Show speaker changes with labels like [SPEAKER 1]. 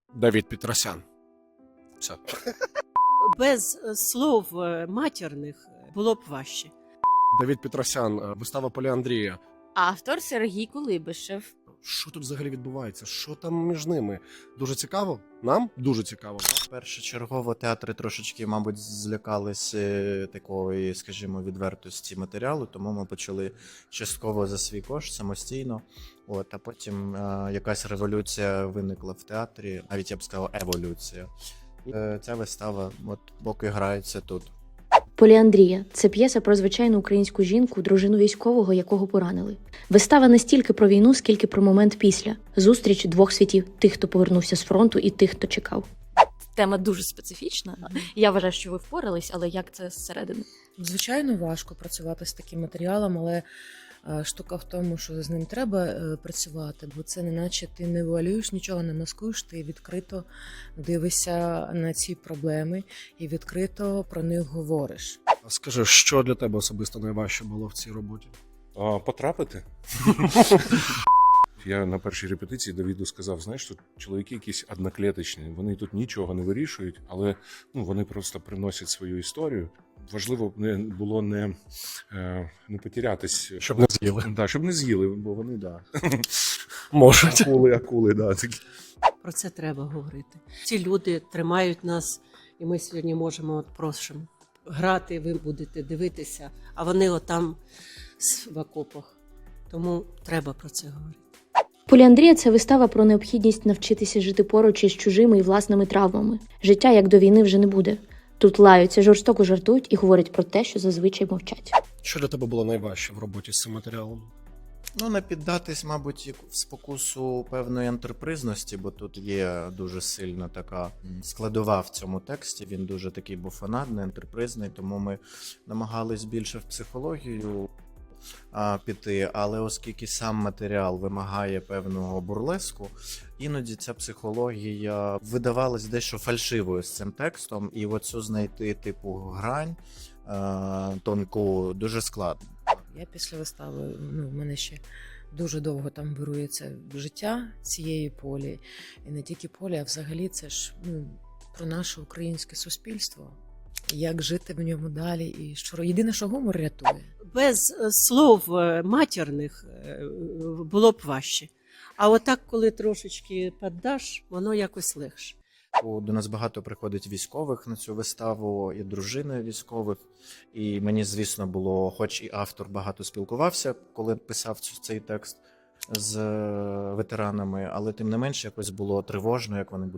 [SPEAKER 1] Давід Петросян. Все.
[SPEAKER 2] Без слов матірних було б важче.
[SPEAKER 1] Давід Петросян, вистава Поліандрія.
[SPEAKER 3] Автор Сергій Кулибишев.
[SPEAKER 1] Що тут взагалі відбувається? Що там між ними? Дуже цікаво? Нам дуже цікаво.
[SPEAKER 4] Першочергово театри трошечки, мабуть, злякались такої, скажімо, відвертості матеріалу, тому ми почали частково за свій кошт самостійно. А потім якась революція виникла в театрі, навіть я б сказав, еволюція. І ця вистава поки грається тут.
[SPEAKER 5] Поліандрія – це п'єса про звичайну українську жінку, дружину військового, якого поранили. Вистава не стільки про війну, скільки про момент після. Зустріч двох світів – тих, хто повернувся з фронту, і тих, хто чекав.
[SPEAKER 3] Тема дуже специфічна. Я вважаю, що ви впорались, але як це зсередини?
[SPEAKER 6] Звичайно, важко працювати з таким матеріалом, але штука в тому, що з ним треба працювати, бо це не наче ти не вуалюєш, нічого не маскуєш, ти відкрито дивишся на ці проблеми і відкрито про них говориш.
[SPEAKER 1] Скажи, що для тебе особисто найважче було в цій роботі?
[SPEAKER 7] Потрапити. Я на першій репетиції Давіду сказав, знаєш, тут чоловіки якісь одноклеточні, вони тут нічого не вирішують, але вони просто приносять свою історію. Важливо було не потерятись.
[SPEAKER 1] Щоб не з'їли.
[SPEAKER 7] Да, щоб не з'їли, бо вони,
[SPEAKER 1] Можуть.
[SPEAKER 7] акули, такі.
[SPEAKER 2] Про це треба говорити. Ці люди тримають нас, і ми сьогодні можемо просимо грати, ви будете дивитися, а вони отам в окопах. Тому треба про це говорити.
[SPEAKER 5] Поліандрія – це вистава про необхідність навчитися жити поруч із чужими і власними травмами. Життя, як до війни, вже не буде. Тут лаються, жорстоко жартують і говорять про те, що зазвичай мовчать.
[SPEAKER 1] Що для тебе було найважче в роботі з цим матеріалом?
[SPEAKER 4] Не піддатись, мабуть, в спокусу певної антрепризності, бо тут є дуже сильна така складова в цьому тексті, він дуже такий буфонадний, антрепризний, тому ми намагались більше в психологію піти, але оскільки сам матеріал вимагає певного бурлеску, іноді ця психологія видавалась дещо фальшивою з цим текстом, і оцю знайти типу грань тонку дуже складно.
[SPEAKER 6] Я після вистави, в мене ще дуже довго там вирується життя цієї полі. І не тільки полі, а взагалі це ж про наше українське суспільство. Як жити в ньому далі, і що єдине, що гумор рятує.
[SPEAKER 2] Без слов матірних було б важче. А отак, коли трошечки піддаш, воно якось легше.
[SPEAKER 4] До нас багато приходить військових на цю виставу, і дружини військових. І мені, звісно, було, хоч і автор багато спілкувався, коли писав цей текст з ветеранами, але тим не менше якось було тривожно, як вони будуть